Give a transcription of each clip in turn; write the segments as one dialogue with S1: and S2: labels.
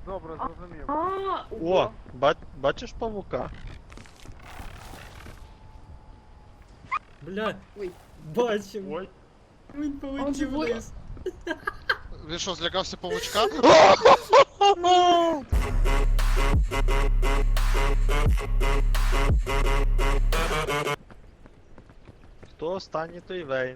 S1: Добре, зрозумів.
S2: О, бачиш павука?
S3: Бля,
S4: Ой.
S3: бачив.
S2: Ой.
S3: Він полетів
S4: живий?
S3: вниз.
S5: Він що, злякався павучка?
S2: Хто останній, той Вейн.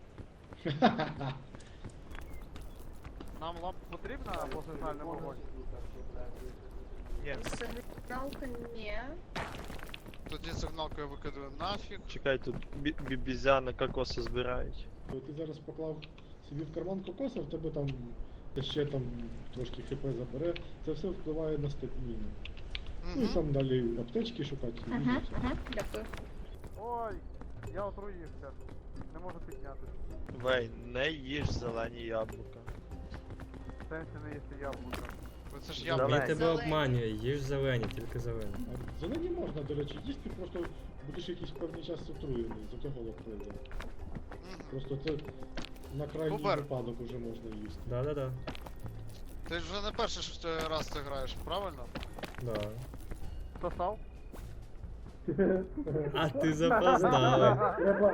S1: Нам лампа потрібна або сигнальний вогонь?
S2: Ні,
S4: Сигналка не.
S5: Тоді сигналку я викидаю нафіг.
S2: чекай, тут бібізяни кокоси збирають.
S6: Ти зараз поклав собі в карман кокоса, в тебе там ще там трошки хп забере, це все впливає на стаміну. Ну і
S5: Угу.
S6: там далі аптечки шукати. і
S4: Ага,
S6: все.
S4: ага, дякую.
S1: Ой, я отруївся. Не можу піднятися.
S2: Вейн, не їж зелені яблука.
S1: В сенсі не їсти яблука.
S5: Бо це ж
S2: Давай.
S5: я.
S3: Він тебе
S4: Зелені.
S3: обманює, їж зелені, тільки зелені.
S6: А зелені можна, до речі, їсти, просто будеш якийсь певний час отруєний, за того прийде. Просто це на крайній
S5: Супер.
S6: випадок уже можна їсти.
S3: Да-да-да.
S5: Ти ж вже не перший раз це граєш, правильно?
S3: Да.
S1: Хто став?
S3: А ти запоздав.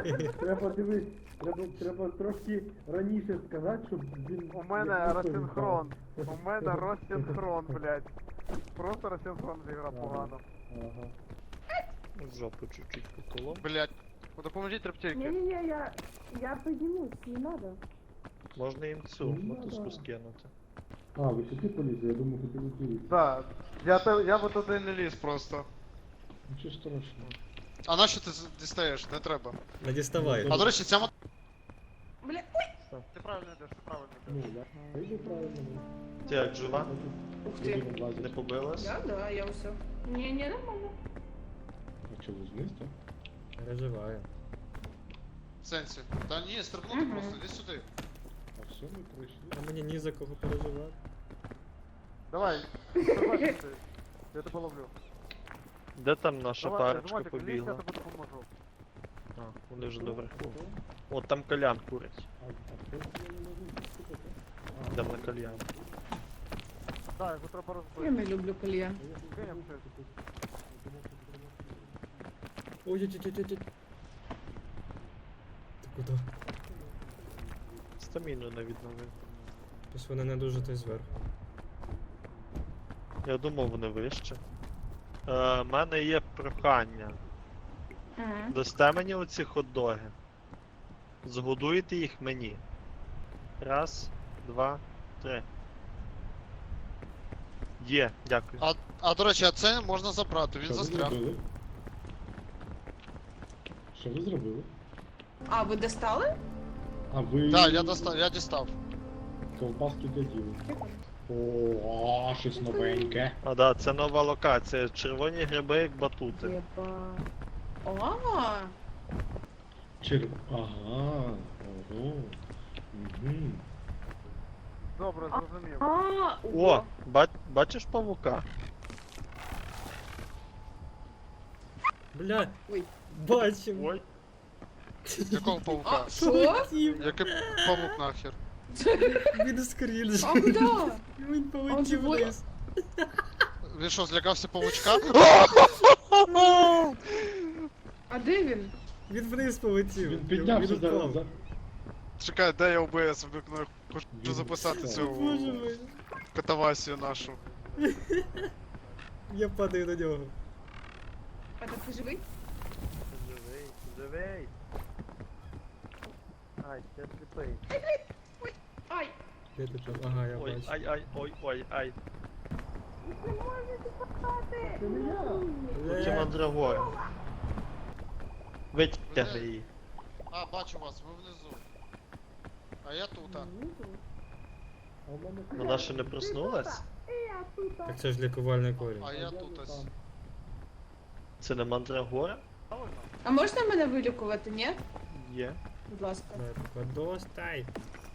S6: Треба трошки раніше сказати, щоб він...
S1: У мене розсинхрон. У мене розсинхрон, блядь. Просто розсинхрон зіграв погано.
S6: Ага.
S2: В жопу чуть-чуть поколом.
S5: Блять. Допоможіть рептильки.
S7: Не-не-не, я поднимусь, не надо.
S2: Можна їм цю мотузку скинути.
S6: А, ви сюди полізли, я думав, ви полізли.
S1: Да,
S5: Я би туди не ліз просто.
S6: Нічого страшного.
S5: А нащо ти дістаєш? Не треба.
S3: Не діставай.
S5: А до речі, ця
S4: Бля,
S1: ти правильно йдеш, ти правильно
S6: Ну,
S1: йдеш.
S6: я йду правильно.
S2: Ти як жива?
S4: ух ты.
S2: Не побилась?
S4: Я, да, я все. Не, нормально.
S6: А що, вниз, так?
S3: Переживаю.
S5: в сенсі. Та ні, стрибнути
S4: Мгм.
S5: просто, іди сюди.
S6: А все, ми пройшли.
S3: А мені ні за кого переживати.
S1: Давай, давай, ти. Я тебе ловлю.
S2: Де там наша
S1: Давай,
S2: парочка
S1: Змотик, лізь, я
S2: побігла?
S1: тобі допоможу.
S2: А, вони вже доверху. От там кальян курить.
S6: А хто це не можу слухати?
S2: Йдемо на кальян.
S1: Да, його треба
S4: Я
S1: розбити.
S4: не люблю кальян.
S1: Кинем щось.
S3: Ой-ой-ой-ой-ой. Ти куди?
S2: Стаміну не відновив.
S3: Ось вони не дуже той зверху.
S2: Я думав, вони вище. У мене є прохання.
S4: Ага.
S2: Дасте мені оці хот-доги. Згодуйте їх мені. Раз, два, три. Є, дякую.
S5: А до речі, а це можна забрати, він
S6: Що ви
S5: застряг.
S6: зробили? Що ви зробили?
S4: А, ви достали?
S6: А ви...
S5: Так, я дістав.
S6: Ковбаски для діла. О, щось новеньке.
S2: А да, це нова локація. Червоні гриби як батути.
S4: Єба. О,
S6: Ага, ого. Угу.
S1: Добре, зрозумів.
S2: О, бачиш павука?
S3: Бля,
S4: Ой.
S3: бачив.
S2: Ой.
S5: Якого павука?
S4: А, що?
S3: Полетів.
S5: Який павук нахер?
S3: Він скрінж.
S4: А куда?
S3: Він полетів
S4: живой?
S3: вниз.
S5: Він що, злякався павучка?
S4: А де він?
S3: Він вниз полетів.
S6: Він піднявся
S3: Він
S6: зараз.
S3: впав.
S5: Чекай, де я ОБС вмикну, хочу
S6: Він
S5: записати
S6: впав.
S5: цю
S3: Боже мой.
S5: катавасію нашу.
S3: Я падаю на нього.
S4: А ти живий?
S2: Живий, живий. Ай, я сліпий.
S4: Ай!
S3: Де ти там? Ага, я
S2: Ой,
S3: бачу.
S2: ой, ай.
S3: Бля.
S2: Оці мандрагори. Витягни її.
S5: А, бачу вас, ви внизу. А я тут, а.
S6: А у мене...
S2: Вона ще не проснулась?
S3: Так це ж лікувальний корінь.
S5: А я тут ось.
S2: Це не мандрагора?
S4: А можна мене вилікувати, ні?
S2: Є.
S4: Будь ласка.
S3: Давай, поки достай.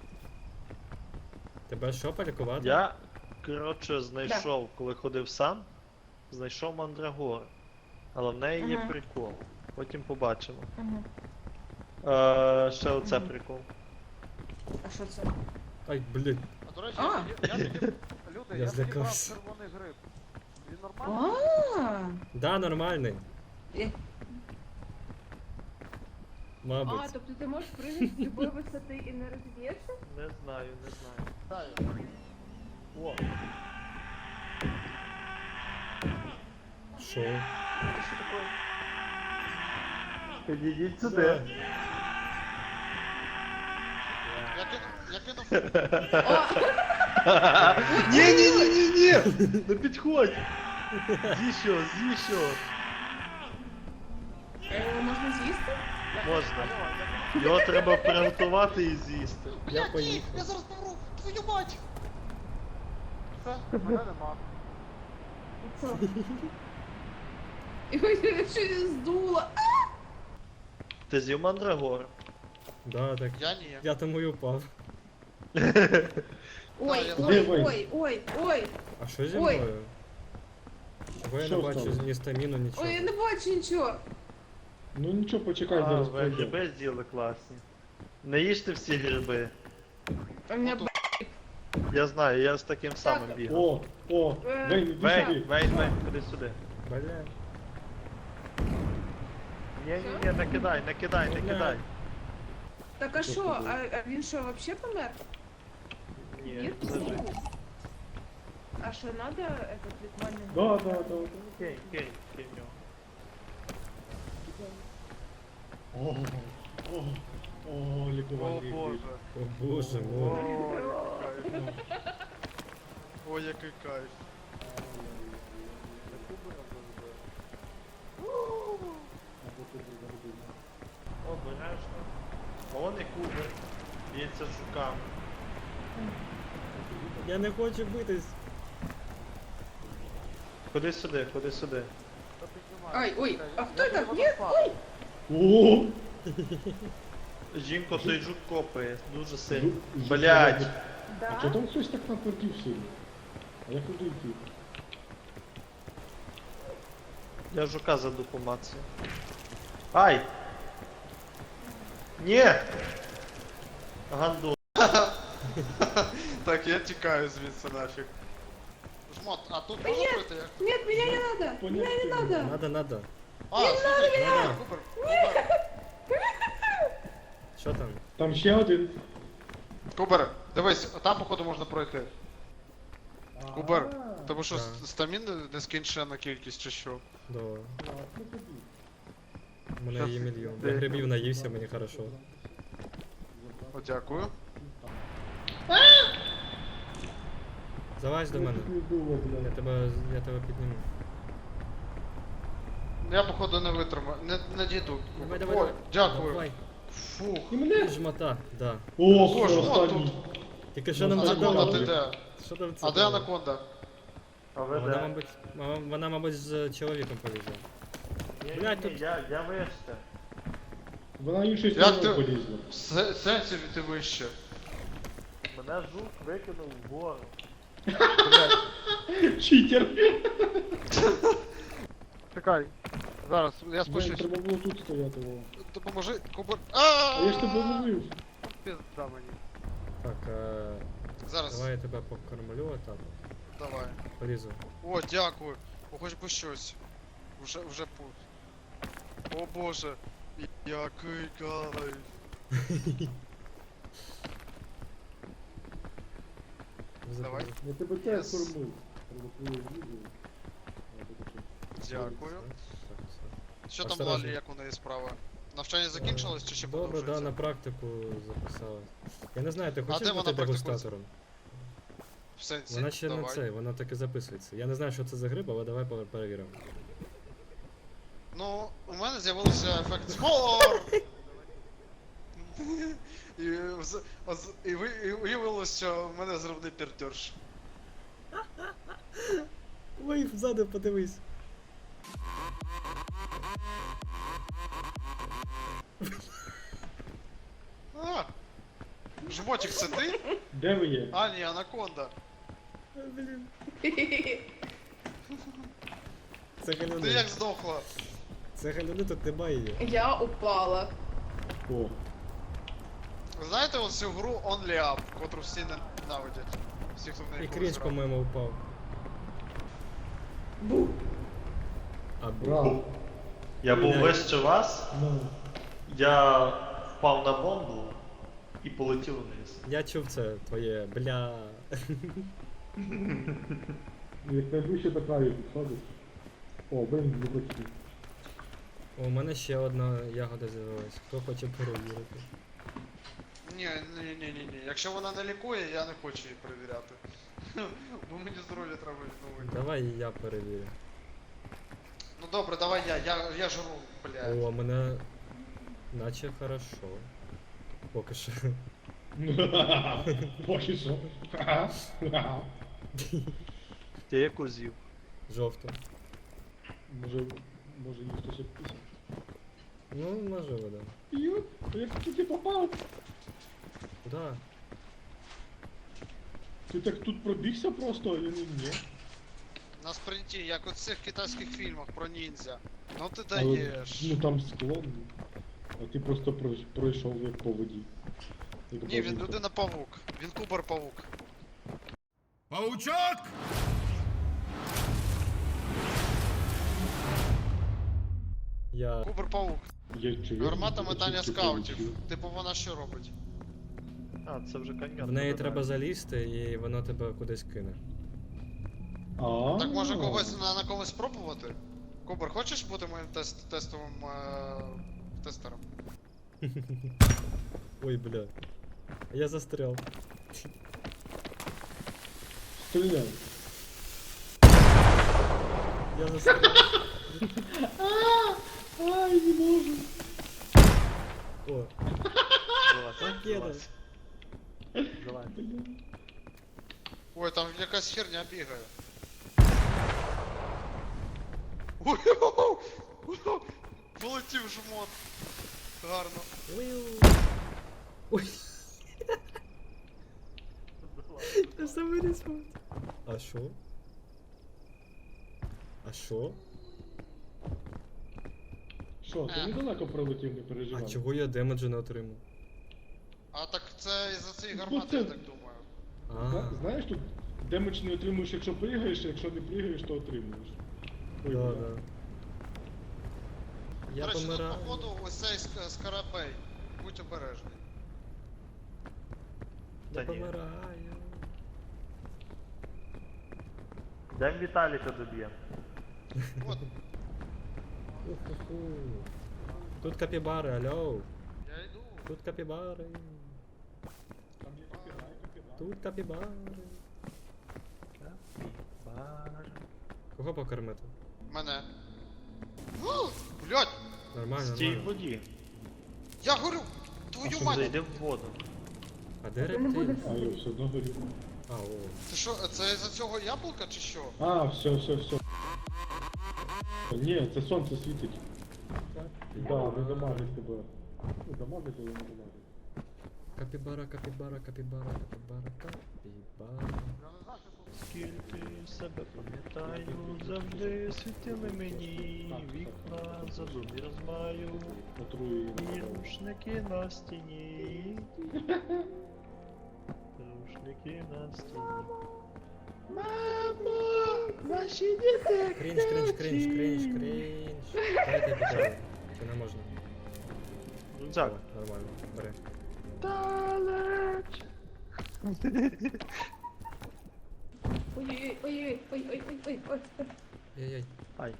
S3: Тебе що, полікувати?
S2: Я, коротше, знайшов, коли ходив сам, знайшов мандрагору. Але в неї є
S4: Ага.
S2: прикол. Потім побачимо.
S4: Ага.
S2: Ще оце
S4: Мгм.
S2: прикол.
S4: А що це?
S3: Ай, блядь.
S5: А до речі,
S4: А.
S5: я тобі... Люд,
S1: Слухайте,
S3: Я
S1: я зібрав
S3: злякався.
S1: червоний гриб. Він нормальний?
S4: А,
S3: Да, нормальний.
S4: Е.
S3: Мабуть.
S7: тобто ти можеш прыгати з любої висоти і не розіб'єшся?
S2: Не знаю, не знаю.
S5: Дай.
S2: О,
S3: Що?
S2: підійдіть
S3: Да.
S2: сюди.
S5: Я кинув.
S2: Ні! Не підходь! З'їсть що.
S4: Його можна з'їсти?
S2: Можна. Його треба приготувати і з'їсти.
S3: Я поїхав.
S5: Я зараз помру! Твою мать!
S1: Все, мене нема.
S4: Його щось здуло.
S2: Ти з'їв мандрагор?
S3: Да, так.
S5: Я ні.
S3: Я тому й упав.
S4: Ой,
S5: я
S4: ой,
S6: знаю.
S4: ой.
S3: А що зі
S4: Ой.
S3: мною? Чого я не
S6: Що
S3: бачу
S6: стало?
S3: ні стаміну, нічого.
S4: Ой, я не бачу нічого.
S6: Ну нічого, почекай,
S2: А,
S6: зараз
S2: ви
S6: пройде.
S2: гриби з'їли класні. Не їжте всі гриби.
S4: У мене
S2: Я знаю, я з таким самим бігав.
S6: О, Вейн, іди
S2: Вейн,
S6: сюди.
S2: Вейн, ходи сюди.
S3: Бля.
S2: Ні, не кидай.
S4: Так а що? А він що, вообще помер?
S2: Ні, лежить.
S4: А що, надо этот ритуальний?
S6: Да.
S2: Кинь його.
S6: О, лікувальний
S1: О
S6: гриб.
S1: боже.
S3: О боже мой.
S5: Ой, який кайф.
S2: Обережно. А вон і кубер. Б'ється з жуками.
S3: Я не хочу битись.
S2: Ходи сюди.
S1: Та піднімай.
S4: Ай, ой, а хто
S1: Я
S4: так?
S1: його
S4: Ні,
S1: достав.
S4: ой.
S6: О!
S2: Жінко, той жук копає дуже сильно.
S6: Жук
S2: Блядь!
S6: робить. А чого
S7: Да?
S6: там хтось так натвердів сильно? А я куди йти?
S2: Я жука заду по маці. Ай! Ні! Гандон.
S5: Так, я тікаю звідси нафіг. Жмот, а тут можна пройти?
S4: Нет, меня не надо. Меня не надо.
S3: Надо.
S5: А, слухай,
S3: Надо.
S5: Кубер.
S3: Що там?
S6: Там ще один.
S5: Кубер, дивись, там походу можна пройти. Кубер,
S6: А,
S5: тому що
S3: Да.
S5: стамін нескінченна кількість чи що.
S3: Да.
S6: ну тоді.
S3: У мене є мільйон.
S2: Де?
S3: Я грибів наївся, мені хорошо.
S5: О, дякую.
S3: Залазь до мене.
S6: Тут не було, блядь.
S3: Я тебе підніму.
S5: Я походу не витримаю, не дійду.
S3: Давай.
S5: Ой, дякую.
S3: Давай.
S5: Фух.
S6: І мене?
S3: Жмота, да.
S6: О,
S5: Боже,
S6: останній.
S3: Тільки що нам
S6: Ну,
S3: це
S5: Анаконда,
S3: дало?
S5: ти де?
S3: Що там це
S5: А де
S3: дало?
S5: анаконда?
S2: А ви
S3: Вона,
S2: де?
S3: мабуть, вона, мабуть, з чоловіком полізла. Блядь, тут-
S2: Я вище.
S6: Вона іншою
S5: Як
S6: стороною
S5: ти-
S6: полізла.
S5: В сенсі ти вище.
S2: Мене жук викинув вгору.
S6: Читер.
S5: Чекай. Зараз, я
S6: Вейн,
S5: спущусь.
S6: треба було тут стояти. Вова.
S5: Допоможи, Кубер.
S6: А я ж тебе ловив.
S1: Пизда мені.
S3: Так,
S5: Зараз,
S3: давай я тебе покормлю отак.
S5: давай.
S3: Полізу.
S5: О, дякую. О, хоч би щось. Вже путь. О боже. Який кайф. Давай.
S6: Я тебе
S5: Yes.
S6: теж кормив. Треба твоє відео. А, то таке.
S5: Дякую.
S3: Так, все.
S5: Що там
S3: Осторожно.
S5: Лалі, як у неї справа? Навчання закінчилось чи ще
S3: Добре, да,
S5: продовжується?
S3: на практику записалась. Я не знаю, ти хочеш
S5: де вона
S3: бути
S5: практикується?
S3: дегустатором?
S5: В сенсі,
S3: Вона ще не
S5: давай.
S3: це, вона так і записується. Я не знаю, що це за гриб, але давай перевіримо.
S5: Ну, у мене з'явився ефект спор! І виявилося, що в мене зробний пердьорш.
S3: Ой, ззаду подивись.
S5: А! Жмотик, це ти?
S6: Де ви є?
S5: А, ні, анаконда.
S3: Блін. Це
S5: Ти
S3: галюни.
S5: як здохла?
S3: Це галюни, тут немає її.
S4: Я упала.
S6: О,
S5: Ви знаєте ось цю гру Only Up, котру всі ненавидять? Всі, хто в
S3: І
S5: неї
S3: крінж,
S5: колись
S3: по-моєму, впав.
S4: Бу.
S3: А
S6: Браво.
S2: Я був
S3: Блядь.
S2: вище вас,
S6: Ну.
S2: я впав на бомбу і полетів вниз.
S3: я чув це твоє, бля.
S6: Як найближче до краю підходиш. О, блин, не хотів.
S3: О, у мене ще одна ягода з'явилась. Хто хоче перевірити?
S5: Ні. Якщо вона не лікує, я не хочу її перевіряти. Бо мені здоров'я треба відновити.
S3: Давай я перевірю.
S5: Ну добре, давай я жру, блядь.
S3: О, мене наче хорошо. Поки що.
S6: Поки що.
S2: Ти яку з'їв?
S3: Жовто.
S6: Може їх хтось підписав.
S3: Ну, можливо, да.
S6: Йоп, як ти попав?
S3: Куда?
S6: Ти так тут пробігся просто, я не ні.
S5: На спринті, як у цих китайських фільмах про ніндзя. Ну ти
S6: Але,
S5: даєш.
S6: ну там склон, а ти просто пройшов як по воді. Як
S5: Ні, він
S6: бабуся.
S5: людина-павук. Він кубар-павук.
S3: Я.
S5: Кубар-павук. Гармата метання
S6: чи
S5: скаутів.
S6: полетів.
S5: Типу вона що робить?
S2: А, це вже каньйон.
S3: В неї
S2: туди
S3: треба
S2: далі.
S3: залізти і воно тебе кудись кине.
S6: А,
S5: Так може когось на когось спробувати? Кубар, хочеш бути моїм тестовим тестером?
S3: Ой, бля. Я застрял.
S6: Стріляй.
S3: Я застрял.
S6: Ай, не можу.
S3: О,
S2: Залазь,
S3: Ракета.
S2: залазь. Залазь.
S5: Ой, там якась херня бігає. Ой, полетів жмот. Гарно.
S3: ой. Я сам не спав. А шо? А шо?
S6: Що, ти недалеко пролетів, не переживай.
S3: А чого я демеджа не отримав?
S5: А так це із-за цієї гармати, я так думаю.
S3: А,
S6: Знаєш, тут демедж не отримуєш, якщо пригаєш, а якщо не пригаєш, то отримуєш. Ой,
S3: да,
S6: бля.
S3: да.
S5: До
S3: Я
S5: речі, тут
S3: помираю.
S5: походу ось цей скарабей. Будь обережний.
S3: Я
S2: Та ні.
S3: помираю.
S2: Дем Віталіка доб'ємо.
S5: От,
S3: Уху. Тут капібари, алло.
S5: я йду.
S3: Тут капібари.
S6: Там є копірай, копірай.
S3: Тут капібари. Кого покормити?
S5: Мене. О, блядь,
S3: Нормально,
S2: Стій в
S3: нормально.
S2: воді.
S5: я горю! Твою
S6: що,
S5: мать!
S2: Зайди в воду.
S3: А де
S7: Ти не будеш
S3: рептиль?
S6: А, я все одно горю.
S3: А, о.
S5: Це що, це із-за цього яблука чи що?
S6: А, все. Ні, це сонце світить. Да, не дамажить тебе. Ну, дамажить, але не дамажить.
S3: Капібара, капібара, капібара, капібара, капібара.
S2: Скільки себе пам'ятаю, завжди світили мені вікна, задумі розмаю,
S6: Отрую її.
S2: і рушники на стіні. Рушники на стіні.
S3: Крінж, крінж, крінж, крінж, крінж. Дайте піти. Чи не можна?
S2: Рюкзак.
S3: О, нормально, бери.
S2: Далеч.
S7: Ой-ой-ой-ой-ой-ой-ой-ой.
S3: Ай-яй.
S2: Ай.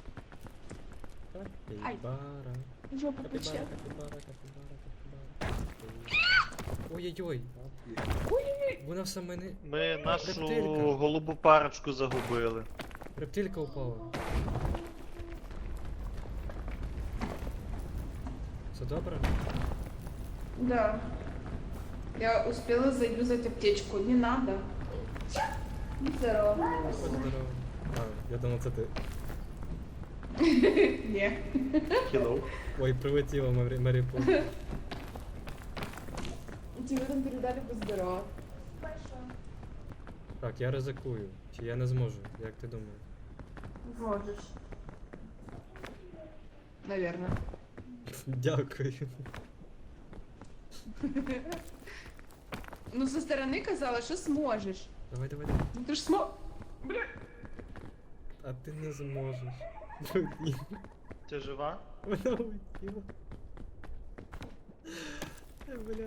S3: Капібара.
S7: Жопу
S3: Капібара,
S7: пече.
S3: капібара, капібара, капібара. Ой-ой-ой. Вона все мене...
S2: Ми нашу
S3: Рептилька.
S2: голубу парочку загубили.
S3: Рептилька упала. Все добре?
S4: Да. Я успела заюзать аптечку. Не надо.
S7: Здорово.
S3: Здорово. А, я думав, це ти.
S4: Не.
S2: Hello.
S3: Ой, прилетіла Мері Пу.
S7: Тебе там передали поздоров.
S3: Так, я ризикую. Чи я не зможу? Як ти думаєш?
S7: Можешь.
S4: Наверное.
S3: Дякую.
S4: Ну, со стороны казалось, что сможешь.
S3: Давай, давай, давай.
S4: Ну ты ж смо...
S3: А ти не зможеш. Блін,
S2: Ти жива?
S3: вона улетіла. Бля.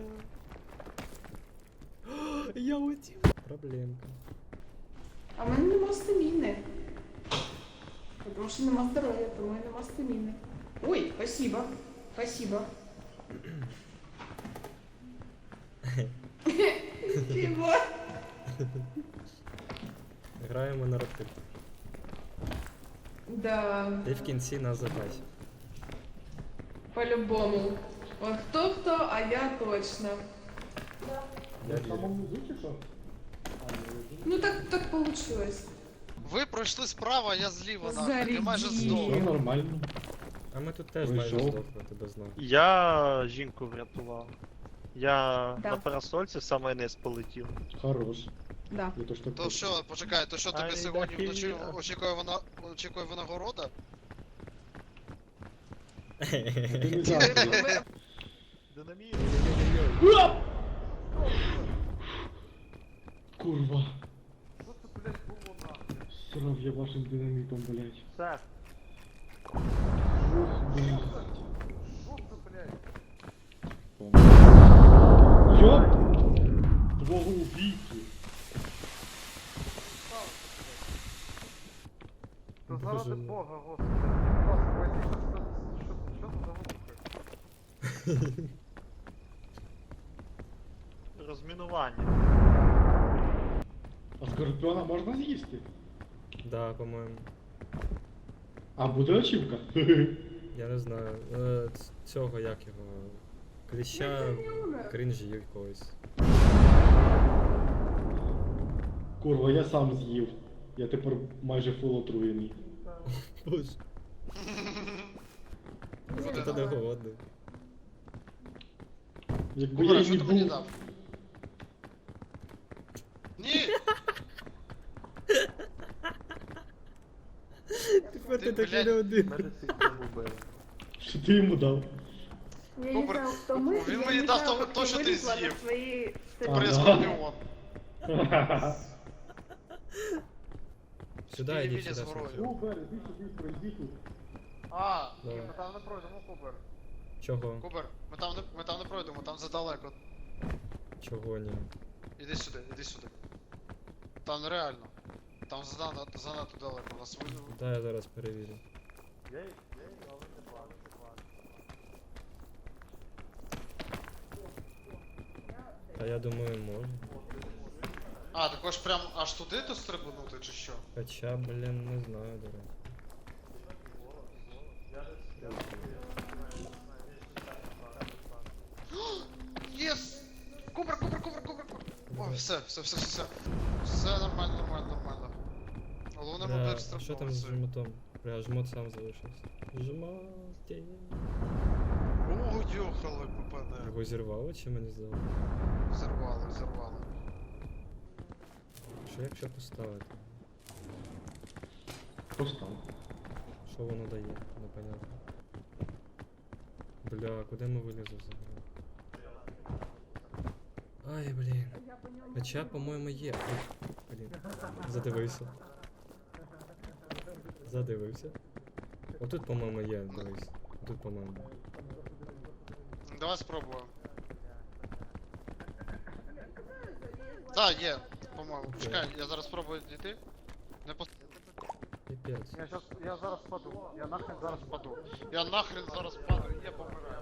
S3: О, я улетів. Проблемка.
S4: А в мене нема стаміни. Тому що нема здоров'я, тому і нема стаміни. Ой, спасибо. Спасибо. Чего?
S3: Граємо на ротик.
S4: Да,
S3: І в кінці нас запасі.
S4: по-любому. Вот кто-кто, а я точно.
S3: Я
S6: В
S3: вірю.
S6: самому звуці що?
S4: Ну так получилось.
S5: Ви пройшли справа, я зліва, нахуй. Я
S4: Зарядіть.
S5: майже
S6: Все
S5: здох.
S6: нормально.
S3: А ми тут теж
S6: Вийшов.
S3: майже здохли, тебе знав.
S2: Я жінку врятував. Я
S4: Да.
S2: на парасольці в самий низ полетів.
S6: Хорош.
S4: Да.
S6: Я то, що
S5: То що, почекай, то що тобі
S2: Ай,
S5: сьогодні
S2: да,
S5: вночі
S2: хіля.
S5: очікує винагорода?
S6: Ти не завжди.
S2: Динаміт.
S6: Курва.
S1: Що це, блядь, було нахуй?
S6: Срав я вашим динамітом, блядь.
S2: Все.
S6: Ох, блядь.
S1: Що це, блядь?
S6: Йоп! Твого убійцю.
S1: Та
S3: Боже
S1: заради
S3: мій.
S1: Бога, господи. Господи, що це за вибухи?
S2: Розмінування.
S6: А скорпіона можна з'їсти?
S3: Да, по-моєму.
S6: А буде очівка?
S3: Я не знаю. Цього як його. Кліща кринжі якогось.
S6: Курва, я сам з'їв. Я тепер майже фул отруєний.
S3: Боже. Ти не голодний.
S6: Якби
S5: Кубера,
S6: я
S5: що
S6: не
S5: ти мені
S6: був...
S5: дав? Ні!
S3: Тепер
S5: ти
S3: ти такий
S5: блядь,
S3: не один.
S2: Мене сильно вбили.
S6: Що ти йому дав?
S7: Я не
S5: Добре.
S7: знаю, хто ми.
S5: Він
S7: я
S5: мені
S7: не
S5: дав
S7: знаю,
S5: то,
S7: як
S5: то,
S7: я
S5: що ти
S7: вилізла на
S5: з'їв.
S7: свої
S6: А,
S5: При
S6: да.
S5: скорпіон.
S3: Сюди
S5: Ти
S3: йди,
S5: мені
S3: сюди.
S5: з горою.
S3: сюди.
S6: Кубер, іди сюди, пройди тут.
S5: А,
S3: Давай.
S1: Ми там не пройдемо, Кубер.
S3: Чого?
S5: Кубер, ми там не пройдемо, там задалеко.
S3: Чого ні?
S5: Іди сюди, іди сюди. Там нереально. Там занадто далеко. У нас
S3: Дай я зараз перевірю. Та я думаю, можна.
S5: А, також прям аж туди то стрибнути чи що?
S3: Хоча, блін, не знаю, до речі.
S5: Єс! Кубер! Ой, все. Все нормально. Головне
S3: Бля,
S5: мобіль
S3: а що там з
S5: стрибнув.
S3: жмотом? Бля, жмот сам залишився. Жмоті.
S5: О, йохали попаде.
S3: Його зірвало чи мені здалося?
S5: Зірвали.
S3: Що якщо поставити?
S6: Постав.
S3: Що воно дає? Непонятно. Бля, куди ми вилізли взагалі? Ай, блін. Хоча, по-моєму, є. Ой, блін. Задивився. Отут, по-моєму, є, дивись. Тут, по-моєму.
S5: Давай спробуємо. Так, є, по-моєму.
S3: Окей.
S5: Чекай, я зараз спробую дійти. Не пос...
S3: Піпець.
S1: Я зараз впаду. Я нахрен зараз впаду.
S5: Я нахрен зараз падаю, я помираю.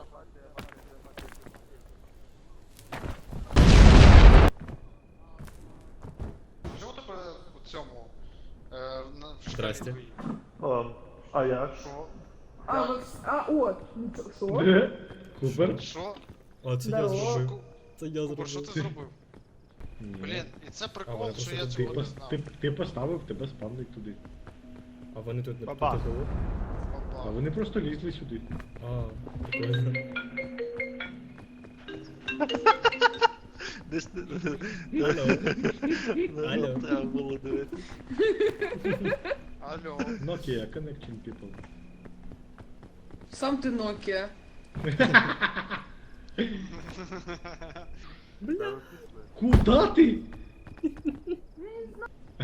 S5: Чому тебе у цьому? В шкалі
S3: Здрасте.
S5: твоїй?
S2: А як?
S5: Що?
S7: О, ну що?
S6: Де? Кубер?
S5: Що?
S3: А, це я
S7: Здорово.
S3: зробив. Це я
S5: Кубер, що ти
S3: зробив.
S5: зробив?
S6: Ні.
S5: Блін, і це
S3: А,
S5: прикол,
S3: вони
S5: що
S3: просто
S5: я
S3: тут
S5: цього
S6: Ти,
S5: не
S6: пос-
S5: знав.
S6: ти поставив, тебе спавнить туди.
S3: А вони тут не
S2: Бабах.
S3: тут були?
S6: А
S5: Папа.
S6: вони просто лізли сюди.
S3: А, прикольно.
S2: Десь
S3: Алло. Алло.
S2: треба було дивитися.
S5: Алло.
S6: Nokia, connecting people.
S4: Сам ти Nokia.
S6: Куда ти?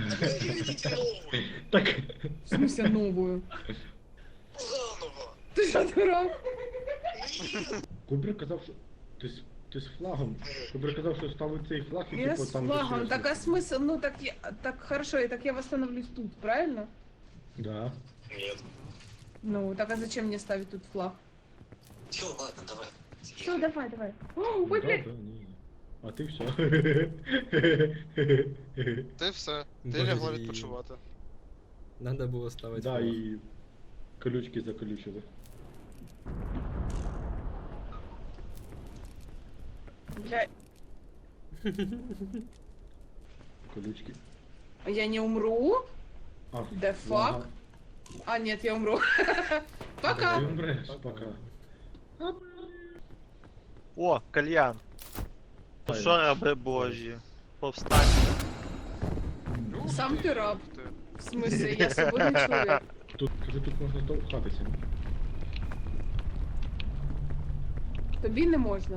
S6: Так,
S4: В смысле новую?
S5: Заново.
S4: Ти що, дурак?
S6: Кубрик казав, що... Ти з флагом. Кубрик казав, що ставить цей флаг і
S4: Я
S6: типу
S4: с
S6: там...
S4: флагом.
S6: десь
S4: Так а смысл? Ну так я... Так хорошо, и так я восстановлюсь тут, правильно?
S6: Да.
S4: Ну, так а зачем мне ставить тут флаг?
S8: Все, ладно, давай.
S4: Все, давай, давай. О,
S6: Ну,
S4: ой,
S6: да,
S4: блядь.
S6: да, ні. А ти все.
S5: Ти все. Ти
S3: Боже,
S5: лягла
S3: і-
S5: відпочивати.
S3: Надо було ставити.
S6: Да,
S3: флаг.
S6: і колючки заколючили.
S4: Блядь.
S6: Колючки.
S4: Я не умру?
S6: А,
S4: Да
S6: флага.
S4: фак. А, нет, я умру. Пока.
S6: Ти умреш, пока.
S2: О, кальян. Ну
S6: Ай.
S2: що, раби божі? Повстаньте.
S4: Сам ти раб.
S5: Ти.
S4: В смысле, я свободный человек.
S6: Тут, кажу, тут можна здовхатися.
S4: Тобі не можна.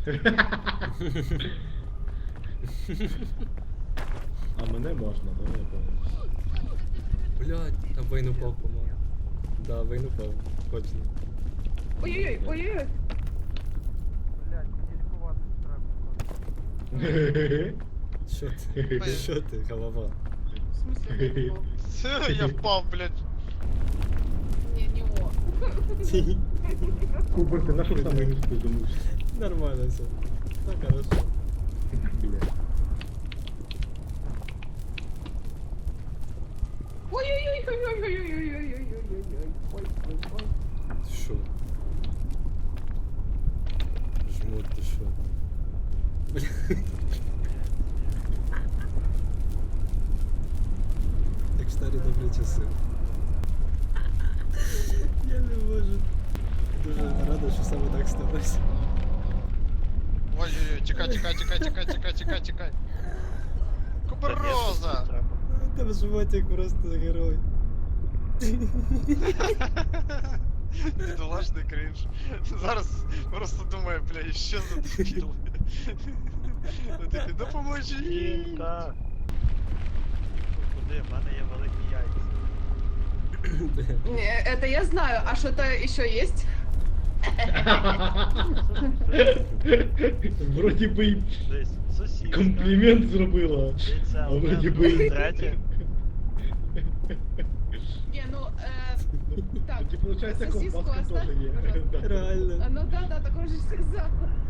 S6: А мене можна, да, я пам'ятаю.
S3: Блядь, там Вейн упав, по-моєму. Да, Вейн упав. Точно.
S4: Ой-ой-ой, ой-ой-ой.
S1: Блядь, мені лікуватись треба.
S3: Що ти?
S5: Ой.
S3: Що ти, голова?
S4: В смысле, не о?
S5: Це я впав, блядь.
S4: Не о.
S6: Кубер, ти на що саме не сподумався?
S3: Нормально все. Так, хорошо.
S6: Бля.
S4: Ой-ой-ой-ой-ой-ой-ой-ой-ой-ой-ой-ой-ой. Ой-ой-ой.
S3: Ти що? Жмут, ти що? Бля. Як старі добрі часи. Я не можу. Дуже рада, що саме так сталося.
S5: Ой-ой-ой, тікай, тікай, тікай, тікай, тікай, тікай, тікай. Кубероза!
S3: Там животик просто герой.
S5: Бідолашний крінж. Зараз просто думаю, бля, що за дебіл. Ну такі, допоможіть!
S2: Жінка. Куди? В мене є великі яйця.
S4: Не, это я знаю. А что-то еще есть?
S6: Вроді би й
S2: Десь сусідка.
S6: комплімент зробила.
S2: Яйця
S6: А
S2: одне,
S6: вроді
S2: друге,
S6: би-
S2: третє.
S4: Не, ну, так.
S6: Тоді, виходить,
S4: сосиску
S6: ковбаска
S4: оставь,
S6: теж є.
S4: пожалуйста.
S6: Да.
S3: Реально.
S4: Ну да, так он же сказал.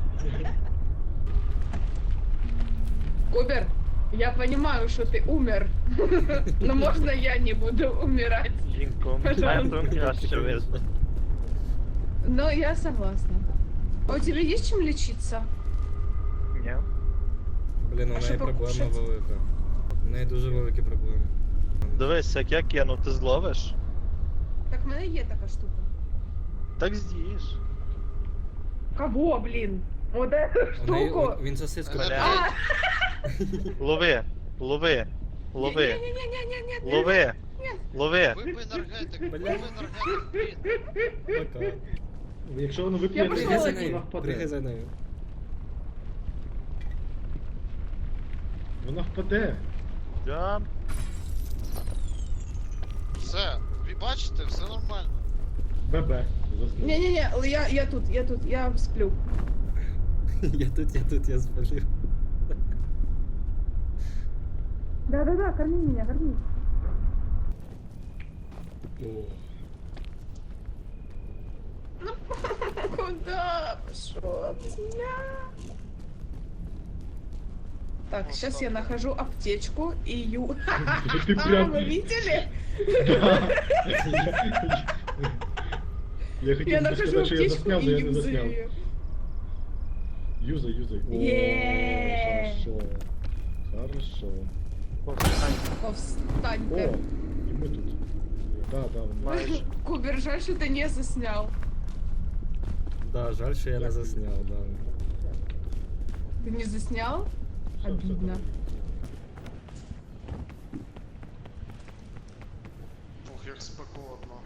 S4: Кубер, я понимаю, что ты умер. Но можно я не буду умирать?
S2: Жінко, метом краще видно.
S4: Но я согласна. А у тебя есть чем лечиться?
S2: Ні.
S3: Блін, у
S4: А що
S3: неї проблема
S4: покушать?
S3: велика. У неї дуже великі проблеми.
S2: Дивись, як я кину, ти зловиш?
S4: Так в мене є така штука.
S2: Так з'їш.
S7: Кого, блин? Вот эту
S3: У неї,
S7: штуку?
S3: він сосиску.
S5: Бля.
S4: А,
S2: Лови, лови, лови,
S4: не-не-не-не-не-не.
S2: лови, лови.
S5: Випий енергетик,
S3: Бля.
S5: випий енергетик, блін.
S3: Пока.
S6: Якщо воно вип'є,
S4: Я пішла
S3: Пригай за
S4: Молодець.
S6: вона
S3: нею.
S6: впаде.
S3: Пригай за нею.
S6: Вона впаде.
S2: Да.
S5: Все, ви бачите, все нормально.
S6: ББ. Заснув.
S4: Не-не-не, я тут, я сплю.
S3: Я спалив.
S7: Да-да-да, корми меня, корми.
S3: О.
S4: Куда пошел от меня? Так,
S5: Вот
S4: сейчас
S5: так
S4: я
S5: вот.
S4: нахожу аптечку и ю.
S6: Ти
S4: А,
S6: прям...
S4: вы видели?
S6: Да. Я
S4: Я
S6: хотів
S4: нахожу
S6: сказати, що я
S4: аптечку
S6: засняв,
S4: и
S6: но я не
S4: юзаю
S6: засняв.
S4: ее.
S6: Юзай. О,
S4: Є.
S6: хорошо. Хорошо.
S4: Повстаньте.
S6: О, і ми тут. Да,
S2: Майже.
S4: Кубер, жаль, что ты не заснял.
S3: Да, жаль, що я не засняв, да.
S4: Ты не заснял? Обидно.
S5: Ох, як спекотно.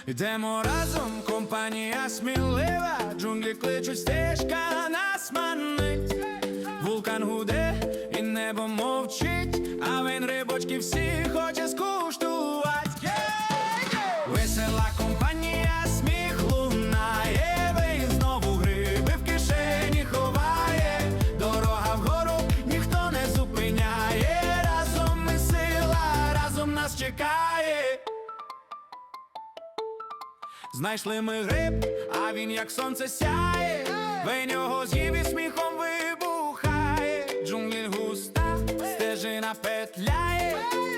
S9: Йдемо разом, компанія смілива, джунглі кличуть, стежка нас манить. Вулкан гуде і небо мовчить, а він рибочки всі хоче скуштувати. Весела компанія, сміх лунає, він знову гриби в кишені ховає. Дорога вгору ніхто не зупиняє, разом ми сила, разом нас чекає. Знайшли ми гриб, а він як сонце сяє, ви нього з'їв і сміхом вибухає. Джунглі густа, стежина петляє,